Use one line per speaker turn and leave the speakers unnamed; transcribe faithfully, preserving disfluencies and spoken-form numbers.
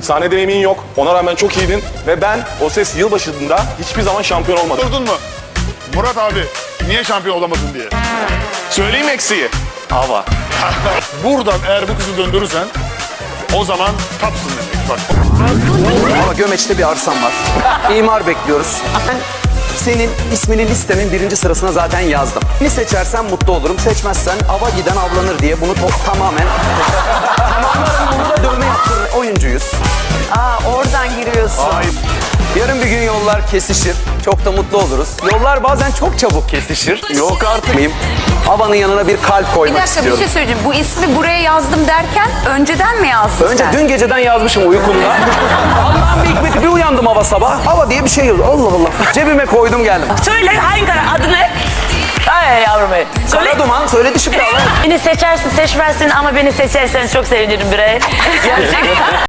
Sahne deneyimin yok. Ona rağmen çok iyiydin. Ve ben O Ses yılbaşında hiçbir zaman şampiyon olmadım.
Durdun mu? Murat abi niye şampiyon olamadın diye.
Söyleyeyim eksiği. Hava.
Buradan eğer bu kızı döndürürsen o zaman tapsın demek. Bak.
Ama Gömeç'te bir arsam var. İmar bekliyoruz. Ben senin ismini listemin birinci sırasına zaten yazdım. Beni seçersen mutlu olurum. Seçmezsen ava giden avlanır diye bunu to- tamamen... tamamen burada dövme yaptırır. Oyuncuyuz.
Aa, oradan giriyorsun.
Yarın bir gün yollar kesişir. Çok da mutlu oluruz. Yollar bazen çok çabuk kesişir. Yok artık. Mıyım? Avanın yanına bir kalp
Bir
koymak
dakika bir
istiyorum.
şey söyleyeceğim. Bu ismi buraya yazdım derken önceden mi yazdın
Önce
sen?
dün geceden yazmışım uykumda. Allah'ın bir hikmeti, bir uyandım hava sabah. Hava diye bir şey yazıyor. Allah Allah. Cebime koydum geldim.
Söyle hangi karar? Adı ne? Ay yavrum benim. Söyle.
Kara duman söyledi şimdi Allah.
Beni seçersin seçmezsin ama beni seçersen çok sevinirim bre. Gerçekten.